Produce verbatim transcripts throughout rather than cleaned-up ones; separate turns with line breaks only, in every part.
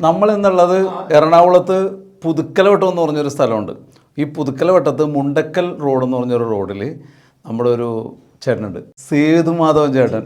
നമ്മൾ എന്നുള്ളത് എറണാകുളത്ത് പുതുക്കലവട്ടം എന്ന് പറഞ്ഞൊരു സ്ഥലമുണ്ട്. ഈ പുതുക്കലവട്ടത്ത് മുണ്ടക്കൽ റോഡ് എന്ന് പറഞ്ഞൊരു റോഡിൽ നമ്മുടെ ഒരു ചേട്ടനുണ്ട്, സേതുമാധവൻ ചേട്ടൻ.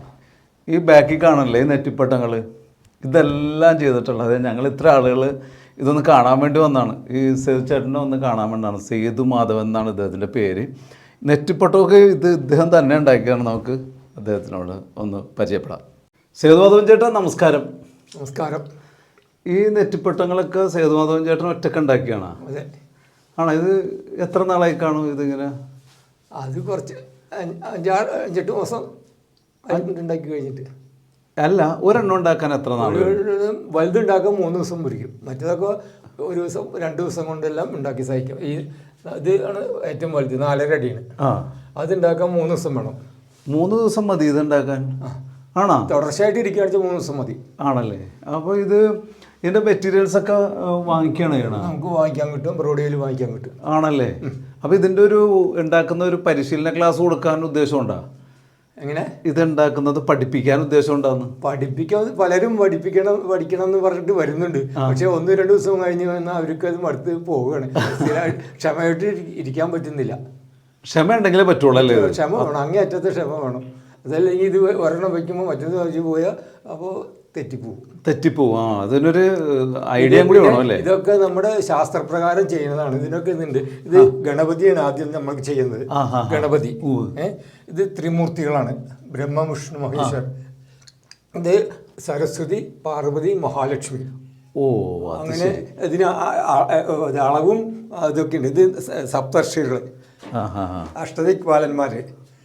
ഈ ബാക്കിൽ കാണല്ലേ ഈ നെറ്റിപ്പട്ടങ്ങൾ, ഇതെല്ലാം ചെയ്തിട്ടുള്ളത്. ഞങ്ങൾ ഇത്ര ആളുകൾ ഇതൊന്ന് കാണാൻ വേണ്ടി വന്നതാണ്. ഈ സേതു ചേട്ടനെ ഒന്ന് കാണാൻ വേണ്ടിയാണ്. സേതുമാധവൻ എന്നാണ് ഇദ്ദേഹത്തിൻ്റെ പേര്. നെറ്റിപ്പട്ടമൊക്കെ ഇത് ഇദ്ദേഹം തന്നെ ഉണ്ടാക്കിയാണ്. നമുക്ക് അദ്ദേഹത്തിനോട് ഒന്ന് പരിചയപ്പെടാം. സേതുമാധവൻ ചേട്ടാ നമസ്കാരം.
നമസ്കാരം.
ഈ നെറ്റിപ്പട്ടങ്ങളൊക്കെ സേതുമാധവൻ ചേട്ടൻ ഒറ്റക്ക് ഉണ്ടാക്കിയാണ്?
അതെ.
ആണോ? ഇത് എത്ര നാളായി കാണും ഇതിങ്ങനെ?
അത് കുറച്ച് അഞ്ചാറ് അഞ്ചെട്ട് ദിവസം ഉണ്ടാക്കി കഴിഞ്ഞിട്ട്.
അല്ല, ഒരെണ്ണം ഉണ്ടാക്കാൻ എത്ര നാൾ?
വലുതുണ്ടാക്കാൻ മൂന്ന് ദിവസം പിടിക്കും. മറ്റേതൊക്കെ ഒരു ദിവസം രണ്ട് ദിവസം കൊണ്ടെല്ലാം ഉണ്ടാക്കി സഹിക്കും. ഈ ഇത് ആണ് ഏറ്റവും വലുത്, നാലര അടിയാണ്.
ആ,
അതുണ്ടാക്കാൻ മൂന്ന് ദിവസം വേണം.
മൂന്ന് ദിവസം മതി ഇത് ഉണ്ടാക്കാൻ? ആണോ?
തുടർച്ചയായിട്ട് ഇരിക്കുകയാണെന്ന് മൂന്ന് ദിവസം മതി.
ആണല്ലേ? അപ്പോൾ ഇത് ഇതിൻ്റെ മെറ്റീരിയൽസ് ഒക്കെ വാങ്ങിക്കുകയാണ് ചെയ്യണം?
നമുക്ക് വാങ്ങിക്കാൻ കിട്ടും, റോഡിൽ വാങ്ങിക്കാൻ കിട്ടും.
ആണല്ലേ? അപ്പോൾ ഇതിൻ്റെ ഒരു ഉണ്ടാക്കുന്ന ഒരു പരിശീലന ക്ലാസ് കൊടുക്കാൻ ഉദ്ദേശമുണ്ടോ?
എങ്ങനെ?
ഇത് ഉണ്ടാക്കുന്നത് പഠിപ്പിക്കാൻ ഉദ്ദേശം ഉണ്ടാകുന്നു?
പഠിപ്പിക്കാൻ പലരും പഠിപ്പിക്കണം പഠിക്കണം എന്ന് പറഞ്ഞിട്ട് വരുന്നുണ്ട്. പക്ഷെ ഒന്ന് രണ്ട് ദിവസം കഴിഞ്ഞ് വന്നാൽ അവർക്ക് അത് മടുത്ത് പോവുകയാണ്. ക്ഷമയായിട്ട് ഇരിക്കാൻ പറ്റുന്നില്ല.
ക്ഷമ ഉണ്ടെങ്കിലേ പറ്റുള്ളൂ അല്ലേ?
ക്ഷമ വേണം, അങ്ങേയറ്റത്തെ ക്ഷമ വേണം. അതല്ലെങ്കിൽ ഇത് ഒരെണ്ണം വയ്ക്കുമ്പോൾ മറ്റൊന്ന് വെച്ച് പോയാൽ അപ്പോൾ തെറ്റിപ്പോവും.
തെറ്റിപ്പോവും. ആ, അതിനൊരു ഐഡിയ കൂടി വേണം അല്ലേ?
ഇതൊക്കെ നമ്മുടെ ശാസ്ത്രപ്രകാരം ചെയ്യുന്നതാണ്. ഇതിനൊക്കെ ഇതുണ്ട്. ഇത് ഗണപതിയാണ് ആദ്യം നമ്മൾക്ക് ചെയ്യുന്നത്. ഗണപതി. ഏഹ് ഇത് ത്രിമൂർത്തികളാണ്, ബ്രഹ്മ വിഷ്ണു മഹേശ്വർ. ഇത് സരസ്വതി, പാർവതി, മഹാലക്ഷ്മി.
ഓ,
അങ്ങനെ ഇതിന് അളവും അതൊക്കെ ഉണ്ട്. ഇത് സപ്തർഷികൾ, അഷ്ടദിക്പാലന്മാർ.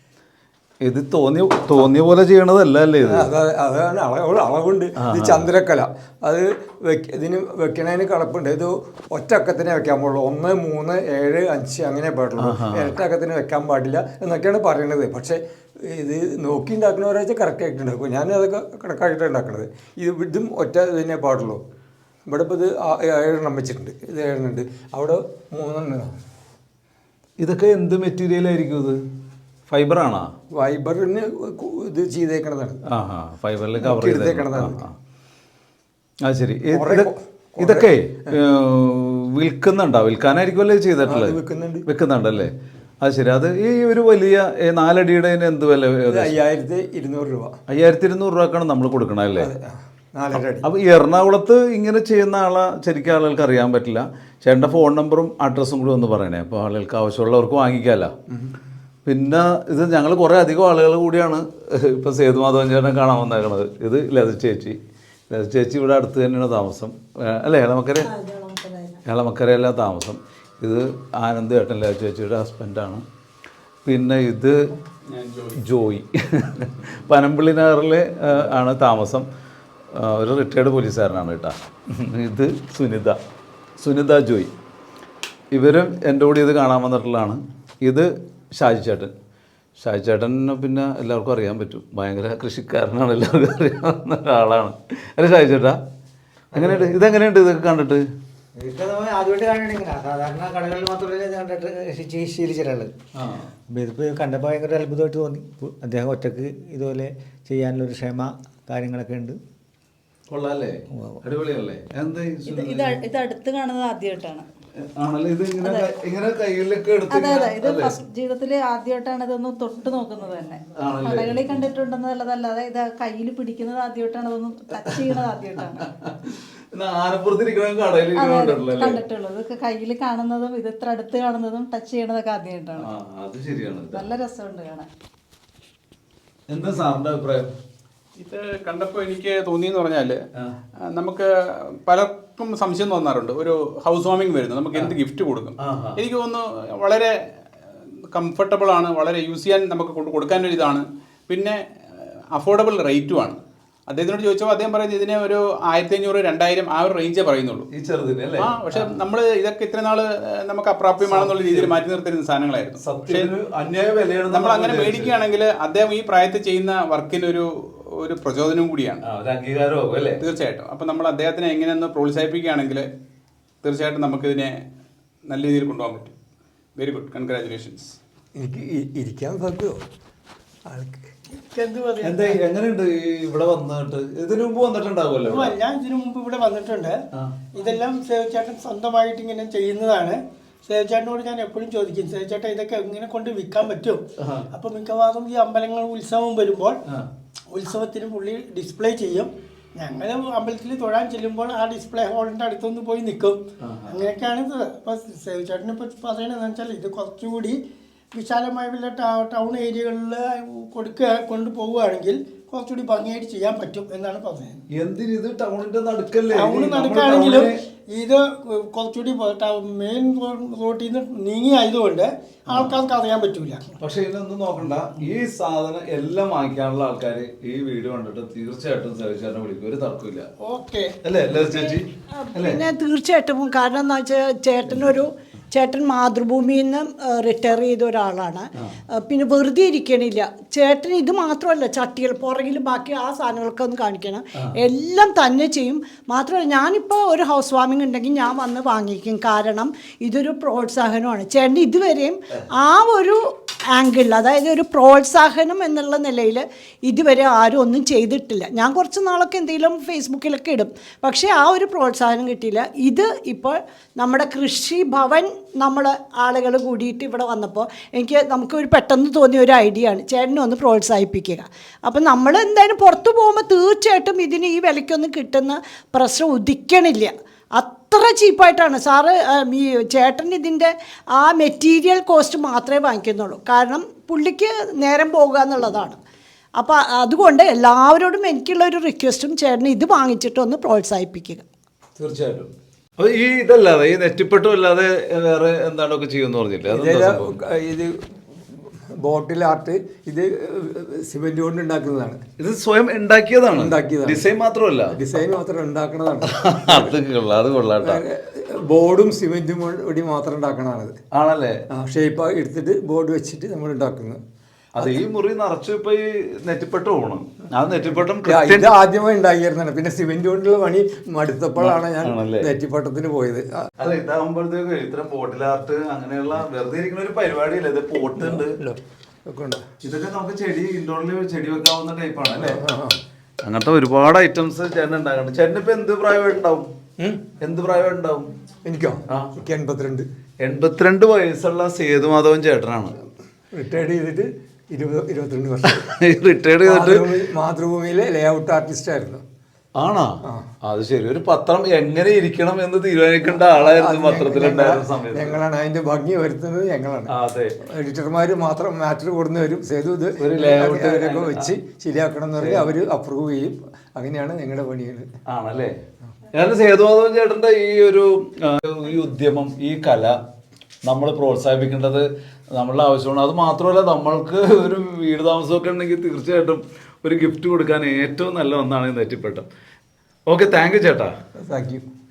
ഇത് തോന്നിയ തോന്നിയ പോലെ ചെയ്യണതല്ല അല്ലേ ഇത്?
അതാണ് അളവ് അളവുണ്ട്. ഇത് ചന്ദ്രക്കല. അത് വെക്ക ഇതിന് വെക്കണതിന് കളപ്പുണ്ട്. ഇത് ഒറ്റക്കത്തിനെ വെക്കാൻ പാടുള്ളൂ. ഒന്ന് മൂന്ന് ഏഴ് അഞ്ച് അങ്ങനെ പാടുള്ളൂ. ഇരട്ടക്കത്തിന് വെക്കാൻ പാടില്ല എന്നൊക്കെയാണ് പറയുന്നത്. പക്ഷേ ഇത് നോക്കി ഉണ്ടാക്കുന്നവരാച്ച കറക്റ്റായിട്ട് ഉണ്ടാക്കും. ഞാൻ അതൊക്കെ കണക്കായിട്ടാണ് ഉണ്ടാക്കുന്നത്. ഇത് ഇതും ഒറ്റ ഇതിനെ പാടുള്ളൂ. ഇവിടെ ഇപ്പോൾ ഇത് ഏഴെണ്ണം വെച്ചിട്ടുണ്ട്. ഇത് ഏഴെണ്ണുണ്ട്, അവിടെ മൂന്നെണ്ണം.
ഇതൊക്കെ എന്ത് മെറ്റീരിയലായിരിക്കും ഇത്? ഫൈബറാണോ?
ഫൈബറിന് ഇത് ചെയ്തേക്കണതാണ്.
ആ ഹാ, ഫൈബറിൽ കവർ ചെയ്തേക്കണതാണ്. അത് ശരി. ഇതൊക്കെ വിൽക്കുന്നുണ്ടോ? വിൽക്കാനായിരിക്കുമല്ലേ ചെയ്തിട്ടുള്ളത്?
വിൽക്കുന്നുണ്ട്.
വിൽക്കുന്നുണ്ടല്ലേ? അത് ശരി. അത് ഈ ഒരു വലിയ നാലടിയുടെ എന്ത് വില?
അയ്യായിരത്തി ഇരുന്നൂറ് രൂപ.
അയ്യായിരത്തി ഇരുന്നൂറ് രൂപക്കാണ് നമ്മൾ കൊടുക്കണം അല്ലേ?
നാലരടി.
അപ്പോൾ എറണാകുളത്ത് ഇങ്ങനെ ചെയ്യുന്ന ആളെ ശരിക്കും ആളുകൾക്ക് അറിയാൻ പറ്റില്ല. ചേട്ടൻ്റെ ഫോൺ നമ്പറും അഡ്രസ്സും കൂടി ഒന്ന് പറയണേ, അപ്പോൾ ആളുകൾക്ക് ആവശ്യമുള്ളവർക്ക് വാങ്ങിക്കാമല്ലോ. പിന്നെ ഇത് ഞങ്ങൾ കുറേ അധികം ആളുകൾ കൂടിയാണ് ഇപ്പോൾ സേതുമാധവൻ ചേട്ടനെ കാണാൻ വന്നേക്കണത്. ഇത് ലത ചേച്ചി. ലത ചേച്ചി ഇവിടെ അടുത്ത് തന്നെയാണ് താമസം അല്ലേ? ഏളമക്കര ഏളമക്കരയല്ല താമസം. ഇത് ആനന്ദ് ചേട്ടൻ, ലത ചേച്ചിയുടെ ഹസ്ബൻഡാണ്. പിന്നെ ഇത് ജോയി, പനമ്പിള്ളി നഗറിൽ ആണ് താമസം. ഒരു റിട്ടയർഡ് പോലീസുകാരനാണ് കേട്ടോ. ഇത് സുനിത, സുനിത ജോയി. ഇവരും എൻ്റെ കൂടി ഇത് കാണാൻ വന്നിട്ടുള്ളതാണ്. ഇത് ഷാജി ചേട്ടൻ. ഷാജി ചേട്ടനെ പിന്നെ എല്ലാവർക്കും അറിയാൻ പറ്റും, ഭയങ്കര കൃഷിക്കാരനാണ്, എല്ലാവർക്കും അറിയാവുന്ന ഒരാളാണ് അല്ലേ ഷാജി ചേട്ടാ? എങ്ങനെയുണ്ട് ഇതെങ്ങനെയുണ്ട് ഇതൊക്കെ കണ്ടിട്ട്?
ആദ്യമായിട്ട് കാണണമെങ്കിൽ സാധാരണ കടകളിൽ മാത്രമല്ലേ കണ്ടിട്ട് ശീലിച്ചിട്ടുള്ളത്. ഇതിപ്പോൾ കണ്ടപ്പോൾ ഭയങ്കര അത്ഭുതമായിട്ട് തോന്നി. അദ്ദേഹം ഒറ്റക്ക് ഇതുപോലെ ചെയ്യാനുള്ളൊരു ക്ഷമ കാര്യങ്ങളൊക്കെ ഉണ്ട്.
കൊള്ളാല്ലേ? അടിപൊളിയല്ലേ? എന്താ
ഇത് അടുത്ത് കാണുന്നത് ആദ്യമായിട്ടാണ്.
അതെ
അതെ, ഇത് ഫസ്റ്റ് ജീവിതത്തിൽ ആദ്യമായിട്ടാണ് ഇതൊന്നും തൊട്ട് നോക്കുന്നത് തന്നെ. കടകളിൽ കണ്ടിട്ടുണ്ടെന്നല്ലാതെ ഇത് കയ്യിൽ പിടിക്കുന്നത് ആദ്യമായിട്ടാണ്, ഇതൊന്നും ടച്ച് ചെയ്യുന്നത് ആദ്യമായിട്ടാണ് കണ്ടിട്ടുള്ളത്. ഇതൊക്കെ കയ്യിൽ കാണുന്നതും ഇത് ഇത്ര അടുത്ത് കാണുന്നതും ടച്ച് ചെയ്യണതൊക്കെ ആദ്യമായിട്ടാണ്. നല്ല രസമുണ്ട് കാണാൻ.
എന്താ സാറിന്റെ അഭിപ്രായം?
ഇത് കണ്ടപ്പോൾ എനിക്ക് തോന്നിയെന്ന് പറഞ്ഞാൽ, നമുക്ക് പലർക്കും സംശയം തോന്നാറുണ്ട്, ഒരു ഹൗസ് വാമിംഗ് വരുന്നു, നമുക്ക് എന്ത് ഗിഫ്റ്റ് കൊടുക്കും. എനിക്ക് തോന്നുന്നു വളരെ കംഫർട്ടബിൾ ആണ്, വളരെ യൂസ് ചെയ്യാൻ നമുക്ക് കൊണ്ട് കൊടുക്കാനൊരു ഇതാണ്, പിന്നെ അഫോർഡബിൾ റേറ്റുമാണ്. അദ്ദേഹത്തിനോട് ചോദിച്ചപ്പോൾ അദ്ദേഹം പറയുന്നത് ഇതിനെ ഒരു ആയിരത്തി അഞ്ഞൂറ് രണ്ടായിരം ആ ഒരു റേഞ്ചേ പറയുന്നുള്ളൂ
ഈ ചെറുതിന്.
ആ, പക്ഷെ നമ്മൾ ഇതൊക്കെ ഇത്ര നാള് നമുക്ക് അപ്രാപ്യമാണെന്നുള്ള രീതിയിൽ മാറ്റി നിർത്തിരുന്ന സാധനങ്ങളായിരുന്നു. പക്ഷേ നമ്മൾ അങ്ങനെ മേടിക്കുകയാണെങ്കിൽ അദ്ദേഹം ഈ പ്രായത്തിൽ ചെയ്യുന്ന വർക്കിനൊരു ഒരു പ്രചോദനവും കൂടിയാണ്, തീർച്ചയായിട്ടും. അപ്പം നമ്മൾ അദ്ദേഹത്തിനെ എങ്ങനെയൊന്ന് പ്രോത്സാഹിപ്പിക്കുകയാണെങ്കിൽ തീർച്ചയായിട്ടും നമുക്കിതിനെ നല്ല രീതിയിൽ കൊണ്ടുപോകാൻ പറ്റും. Very good, congratulations.
എനിക്ക് ഇരിക്കാൻ പറ്റുമോ?
എന്ത് പറയാ
എന്താ എങ്ങനെയുണ്ട് ഈ ഇവിടെ വന്നിട്ട് ഇതിനു മുമ്പ് വന്നിട്ടുണ്ടാവുമല്ലോ
ഉവ്വ്, ഞാൻ ഇതിനു മുമ്പ് ഇവിടെ വന്നിട്ടുണ്ട്. ഇതെല്ലാം സേവ്ചേട്ടൻ സ്വന്തമായിട്ട് ഇങ്ങനെ ചെയ്യുന്നതാണ്. സേവ്ചേട്ടനോട് ഞാൻ എപ്പോഴും ചോദിക്കും, സേവ്ചേട്ടൻ ഇതൊക്കെ എങ്ങനെ കൊണ്ട് വിൽക്കാൻ പറ്റും? അപ്പൊ മിക്കവാറും ഈ അമ്പലങ്ങൾ ഉത്സവം വരുമ്പോൾ ഉത്സവത്തിന് പുള്ളി ഡിസ്പ്ലേ ചെയ്യും. ഞങ്ങൾ അമ്പലത്തിൽ തൊഴാൻ ചെല്ലുമ്പോൾ ആ ഡിസ്പ്ലേ ഹോളിന്റെ അടുത്തൊന്ന് പോയി നിൽക്കും. അങ്ങനെയൊക്കെയാണ് ഇത്. അപ്പൊ സേവ്ചേട്ടനെ പറ്റി പറയണതെന്ന് വെച്ചാൽ ഇത് കുറച്ചുകൂടി വിശാലമായ വല്ല ടൗൺ ഏരിയകളിൽ കൊടുക്കുക കൊണ്ടുപോവുകയാണെങ്കിൽ കുറച്ചുകൂടി ഭംഗിയായിട്ട് ചെയ്യാൻ പറ്റും എന്നാണ് പറഞ്ഞത്.
എന്തിന് ഇത് ടൗണിന്റെ നടുക്കല്ലേ?
ടൗൺ നടക്കുകയാണെങ്കിലും ഇത് കുറച്ചുകൂടി മെയിൻ റോട്ടിൽ നിന്ന് നീങ്ങി ആയതുകൊണ്ട് ആൾക്കാർക്ക് അറിയാൻ പറ്റൂല.
പക്ഷെ ഇതൊന്നും നോക്കണ്ട, ഈ സാധനം എല്ലാം വാങ്ങിക്കാനുള്ള ആൾക്കാർ ഈ വീഡിയോ കണ്ടിട്ട് തീർച്ചയായിട്ടും സേവിച്ചാറിനെ വിളിക്കും, ഒരു തർക്കമില്ല.
ഓക്കെ
അല്ലേ അല്ലേ ചേച്ചി?
പിന്നെ തീർച്ചയായിട്ടും. കാരണം എന്താ വെച്ചാൽ ചേട്ടനൊരു ചേട്ടൻ മാതൃഭൂമിയിൽ നിന്ന് റിട്ടയർ ചെയ്ത ഒരാളാണ്. പിന്നെ വെറുതെ ഇരിക്കണില്ല ചേട്ടൻ. ഇത് മാത്രമല്ല, ചട്ടികൾ പുറകിൽ ബാക്കി ആ സാധനങ്ങളൊക്കെ ഒന്ന് കാണിക്കണം, എല്ലാം തന്നെ ചെയ്യും. മാത്രമല്ല ഞാനിപ്പോൾ ഒരു ഹൗസ് വാമിംഗ് ഉണ്ടെങ്കിൽ ഞാൻ വന്ന് വാങ്ങിക്കും. കാരണം ഇതൊരു പ്രോത്സാഹനമാണ്. ചേട്ടൻ ഇതുവരെയും ആ ഒരു ആംഗിളിൽ, അതായത് ഒരു പ്രോത്സാഹനം എന്നുള്ള നിലയിൽ ഇതുവരെ ആരും ഒന്നും ചെയ്തിട്ടില്ല. ഞാൻ കുറച്ച് നാളൊക്കെ എന്തെങ്കിലും ഫേസ്ബുക്കിലൊക്കെ ഇടും, പക്ഷേ ആ ഒരു പ്രോത്സാഹനം കിട്ടിയില്ല. ഇത് ഇപ്പോൾ നമ്മുടെ കൃഷി ഭവൻ നമ്മൾ ആളുകൾ കൂടിയിട്ട് ഇവിടെ വന്നപ്പോൾ എനിക്ക് നമുക്ക് ഒരു പെട്ടെന്ന് തോന്നിയ ഒരു ഐഡിയ ആണ് ചേട്ടനെ ഒന്ന് പ്രോത്സാഹിപ്പിക്കുക. അപ്പം നമ്മൾ എന്തായാലും പുറത്തു പോകുമ്പോൾ തീർച്ചയായിട്ടും ഇതിന് ഈ വിലയ്ക്കൊന്നും കിട്ടുന്ന പ്രശ്നം ഉദിക്കണില്ല. അത്ര ചീപ്പായിട്ടാണ് സാറ്. ഈ ചേട്ടൻ ഇതിൻ്റെ ആ മെറ്റീരിയൽ കോസ്റ്റ് മാത്രമേ വാങ്ങിക്കുന്നുള്ളൂ. കാരണം പുള്ളിക്ക് നേരം പോകുക എന്നുള്ളതാണ്. അപ്പോൾ അതുകൊണ്ട് എല്ലാവരോടും എനിക്കുള്ള ഒരു റിക്വസ്റ്റും ചേട്ടൻ ഇത് വാങ്ങിച്ചിട്ട് ഒന്ന് പ്രോത്സാഹിപ്പിക്കുക.
തീർച്ചയായിട്ടും. അപ്പോൾ ഈ ഇതല്ലാതെ ഈ നെറ്റിപ്പെട്ടും അല്ലാതെ വേറെ എന്താണൊക്കെ ചെയ്യുമെന്ന് പറഞ്ഞില്ലേ?
ഇത് ബോട്ടിൽ ആർട്ട്, ഇത് സിമെന്റ് കൊണ്ട് ഉണ്ടാക്കുന്നതാണ്.
ഇത് സ്വയം ഉണ്ടാക്കിയതാണ്?
ഉണ്ടാക്കിയതാണ്.
ഡിസൈൻ മാത്രമല്ല,
ഡിസൈൻ മാത്രം ഉണ്ടാക്കുന്നതാണ്.
അത് കൊള്ളാം, അത് കൊള്ളാട്ടോ.
ബോർഡും സിമെന്റും കൂടി മാത്രം ഉണ്ടാക്കണതാണത്.
ആണല്ലേ?
ഷേപ്പ് എടുത്തിട്ട് ബോർഡ് വെച്ചിട്ട് നമ്മൾ ഉണ്ടാക്കുന്നത്.
അത് ഈ മുറി നിറച്ചു ഇപ്പൊ ഈ നെറ്റിപ്പെട്ട് പോകണം. ആ നെറ്റിപ്പട്ടം
ഇത് ആദ്യമായി ഉണ്ടാക്കിയിരുന്നാണ്. പിന്നെ സിമെന്റ് കൊണ്ടുള്ള പണി മടുത്തപ്പോഴാണ് ഞാൻ നെറ്റിപ്പട്ടത്തിന് പോയത്.
അല്ല, ഇതാകുമ്പോഴത്തേക്ക് ഇത്തരം ബോട്ടിൽ ആർട്ട് അങ്ങനെയുള്ള വെറുതെ ഇരിക്കുന്ന ഒരു പരിപാടിയില്ല. ഇത് പോട്ട് ഉണ്ട്, ഇതൊക്കെ നമുക്ക് ചെടി ഇൻഡോറിൽ ചെടി വെക്കാവുന്ന ടൈപ്പാണ് അല്ലേ? അങ്ങനത്തെ ഒരുപാട് ഐറ്റംസ് ചേട്ടൻ ഉണ്ടാക്കണം. ചേട്ടൻ ഇപ്പൊ എന്ത് പ്രായമായിട്ടുണ്ടാവും? എന്ത് പ്രായമായിട്ടുണ്ടാവും?
എനിക്കോ? എനിക്ക് എൺപത്തിരണ്ട്.
എൺപത്തിരണ്ട് വയസ്സുള്ള സേതുമാധവൻ ചേട്ടനാണ്.
റിട്ടയർഡ് ചെയ്തിട്ട് ഇരുപത് ഇരുപത്തിരണ്ട് വർഷം.
റിട്ടയർഡ് ചെയ്തിട്ട്
മാതൃഭൂമിയിലെ ലേ ഔട്ട് ആർട്ടിസ്റ്റ് ആയിരുന്നു.
ആണോ? അത് ശരി. ഒരു പത്രം എങ്ങനെ ഇരിക്കണം എന്ന് തീരുമാനിക്കേണ്ട ആളായിരുന്നു പത്രത്തിലുണ്ടായിരുന്ന സമയത്ത്.
ഞങ്ങളാണ് അതിന്റെ ഭംഗി വരുത്തുന്നത്, ഞങ്ങളാണ്.
അതെ,
എഡിറ്റർമാര് മാത്രം മാറ്റർ കൊടുന്നു വരും. സേതു ഇത് ലേഔട്ട് വെച്ച് ശരിയാക്കണം എന്ന് പറഞ്ഞാൽ അവര് അപ്രൂവ് ചെയ്യും. അങ്ങനെയാണ് ഞങ്ങളുടെ പണികൾ.
ആണല്ലേ? ഞാൻ സേതുമാധവൻ ചേട്ടന്റെ ഈ ഒരു ഈ ഉദ്യമം, ഈ കല നമ്മൾ പ്രോത്സാഹിപ്പിക്കേണ്ടത് നമ്മളുടെ ആവശ്യമാണ്. അത് മാത്രമല്ല, നമ്മൾക്ക് ഒരു വീട് താമസമൊക്കെ ഉണ്ടെങ്കിൽ തീർച്ചയായിട്ടും ഒരു ഗിഫ്റ്റ് കൊടുക്കാൻ ഏറ്റവും നല്ല ഒന്നാണ് നെറ്റിപ്പട്ടം. ഓക്കെ, താങ്ക് യു ചേട്ടാ.
Thank U.